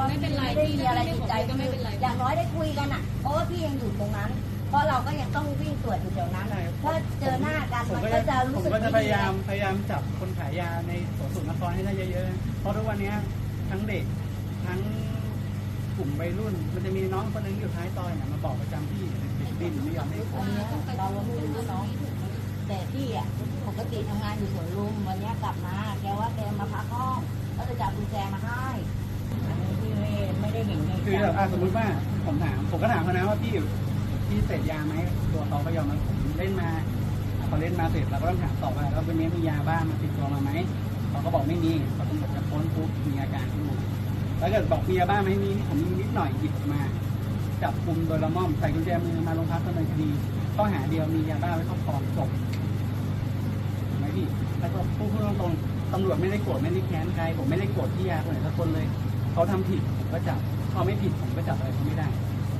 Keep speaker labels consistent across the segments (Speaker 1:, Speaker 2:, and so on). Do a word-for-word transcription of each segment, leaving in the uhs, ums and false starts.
Speaker 1: ไม่เป็นไร
Speaker 2: ไม่ได้
Speaker 1: พี่
Speaker 2: มีอะไรติดใจ
Speaker 1: ก็ไม่เป็นไร
Speaker 2: อย่างน้อยได้คุยกันอ่ะเพราะว่าพี่ยังอยู่ตรงนั้นเพราะเราก็ยังต้องวิ่งตรวจอยู่แถวนั้นถ้าเจอหน้ากันมันก็จะรู้สึก
Speaker 3: ผมก็จะพยายามพยายามจับคนขายยาในสวนสุนทรให้ได้เยอะๆเพราะทุกวันนี้ทั้งเด็กทั้งกลุ่มวัยรุ่นมันจะมีน้องคนนึงอยู่ท้ายซอยเนี่ยมาบอกประจำพี่ติดดินไม่ยอมให้ผม
Speaker 2: อันนี้เราไม่รู้เนาะแต่พี่อ่ะปกติทำงานอยู่สวนลุมวันนี้กลับมาแกว่าแกมาพักห้องก็จะจับกุญแจมาให้อันนี้พี่ไม่ไม่ได้เห็นไง
Speaker 3: คือแบบสมมติว่าผมถามผมก็ถามเขานะว่าพี่พี่เสพยาไหมตัวเขาก็ยอมรับผมเล่นมาพอเล่นมาเสร็จเราก็ต้องถามต่อว่าแล้ววันนี้มียาบ้ามาติดตัวมาไหมเขาก็บอกไม่มีเขาต้องบอกจะพ้นปุ๊บมีอาการขึ้นมาแล้วเกิดบอกมียาบ้าไหมมีผมมีนิดหน่อยหยิบออกมาจับกุมโดยละม่อมใส่กุญแจมือมาโรงพักดำเนินคดีข้อหาเดียวมียาบ้าไว้ครอบครองจบไหมพี่แล้วก็พูดตรงๆตำรวจไม่ได้โกรธไม่ได้แค้นใครผมไม่ได้โกรธที่ยาคนไหนสักคนเลยเขาทำผิดผมก็จับเขาไม่ผิดผมก็จับอะไรเขาไม่ได้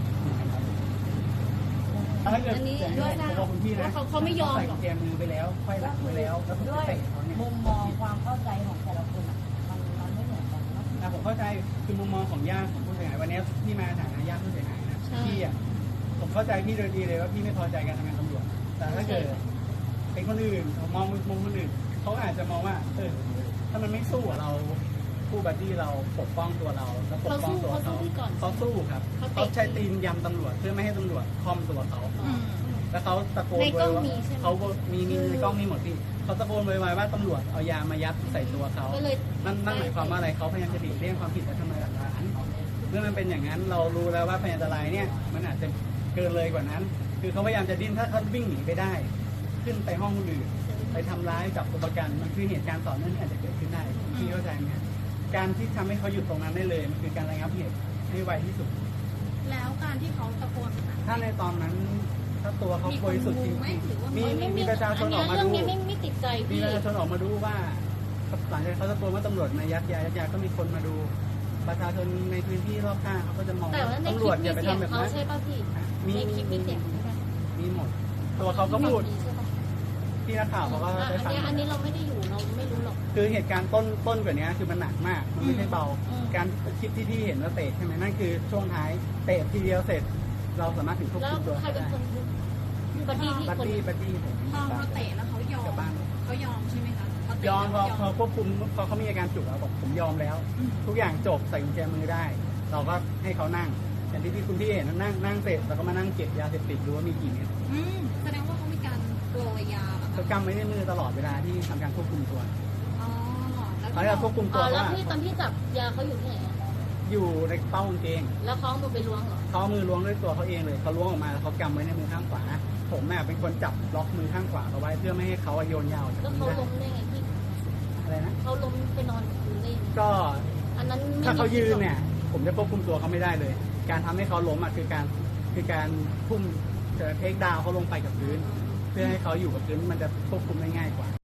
Speaker 3: ถ้าเกิดด้วยนะคุณพี่นะ
Speaker 1: เขาไม่ยอมหรอก
Speaker 3: ใส่กุญแจมือไปแล้วค่อยหลังไปแล้วแล้วผม
Speaker 2: ด้
Speaker 3: จะ
Speaker 2: วย
Speaker 3: เตะเขาเนี่ย
Speaker 2: มุมมองความเข้าใจของแต่ละคนอ่ะมันมันไม่เหมือนกันเนาะ
Speaker 3: นะผมเข้าใจคือมุมมองของญาติของผู้เสียหายวันนี้พี่มาฐานะญาติผู้เสียหายนะพี่อ่ะผมเข้าใจพี่โดยดีเลยว่าพี่ไม่พอใจการทำงานตำรวจแต่ถ้าเกิดเป็นคนอื่นผมมองมุมคนอื่นเขาอาจจะมองว่าเออถ้ามันไม่สู้เราผู้บัดดี้เราปกป้องตัวเราแล้วปกป้องตัวเขาเขาสู้ครับเขาใช้ตีนยำตำรวจเพื่อไม่ให้ตำรวจคอมตัวเขาแล้วเขาตะโกนโวยวายเขามีมีในกล้องมีหมดพี่เขาตะโกนโวยวายว่าตำรวจเอายามายัดใส่ตัวเขานั่นนั่นหมายความว่าอะไรเขาพยายามจะหลีกเลี่ยงความผิดและทำลายหลักฐานเมื่อมันเป็นอย่างนั้นเรารู้แล้วว่าพยานอันตรายเนี่ยมันอาจจะเกินเลยกว่านั้นคือเขาพยายามจะดิ้นถ้าเขาวิ่งหนีไปได้ขึ้นไปห้องคนอื่นไปทำร้ายจับตัวประกันมันคือเหตุการณ์ต่อเนื่องที่อาจจะเกิดขึ้นได้พี่เข้าใจไหมการที่ทำให้เขาหยุดตรงนั้นได้เลยมันคือการระงับเหตุให้ไวที่สุด
Speaker 1: แล้วการที่เขาตะโกน
Speaker 3: ถ้าในตอนนั้นถ้าตัวเขาบริสุทธิ์จริงๆมีมีประชาชนออกมาดู
Speaker 1: ไม่ติดใจ
Speaker 3: มีประชาชนออกมาดูว่าหลังจากเขาตะโกนว่าตำรวจมายัดยายัดยาก็มีคนมาดูประชาชนในพื้นที่รอบข้างเขาก็จะมองตำรวจอย่าไปทำแบบนั้น
Speaker 1: ใช่ป่ะพี่มีคลิปมีเสียง
Speaker 3: มีหมดตัวเขาก็พูดที่นักข่าวเขาก็ได้ฟัง
Speaker 1: อันนี้เราไม่ได้อยู่เราไม่รู้หรอก
Speaker 3: คือเหตุการณ์ต้นต้นกว่านี้คือมันหนักมากมันไม่ใช่เบาการคลิปที่พี่เห็นว่าเตะใช่ไหมนั่นคือช่วงท้ายเตะทีเดียวเสร็จเราสามารถถึงควบคุมตัวได้
Speaker 1: บัดดี้ที่
Speaker 3: บัดดี้บัดดี้ผม
Speaker 1: พอเขาเตะแล้วเขายอมเขายอมใช่ไหมคะ
Speaker 3: ยอมพอพอควบคุมพอเขามีอาการจุกแล้วบอกผมยอมแล้วทุกอย่างจบใส่กุญแจมือได้เราก็ให้เขานั่งอย่างที่พี่คุณพี่เห็นนั่งนั่งเสร็จแล้วก็มานั่งเก็บยาเสพติดดูว่ามีกี่เม็ด
Speaker 1: แสดงว่าเขามีการโปรยยา
Speaker 3: เขากำไว้ในมือตลอดเวลาที่ทำการควบคุมตัว
Speaker 1: อ๋อ
Speaker 3: แล้วเราควบคุมตัว
Speaker 1: แล้วพี่ตอนที่จับยาเขาอยู่ที่ไหน
Speaker 3: อยู่ในเป้ากางเกง
Speaker 1: แล้วเขาเอามือไปล้วงเหรอ
Speaker 3: เขามือล้วงด้วยตัวเขาเองเลยเขาล้วงออกมาแล้วเขากำไว้ในมือข้างขวาผมแม่เป็นคนจับล็อกมือข้างขวาเอาไว้เพื่อไม่ให้เขาโยนยาว
Speaker 1: แล้วเขาล้มได้ไงพี่
Speaker 3: อะไรนะ
Speaker 1: เขาล้มไปนอนอยู่ได้
Speaker 3: ก็
Speaker 1: อันนั้น
Speaker 3: ถ้าเขายืนเนี่ยผมจะควบคุมตัวเขาไม่ได้เลยการทำให้เขาล้มอ่ะคือการคือการพุ่มจะเทคดาวเขาลงไปกับพื้นเพื่อให้เขาอยู่กับพื้นมันจะควบคุมได้ง่ายกว่า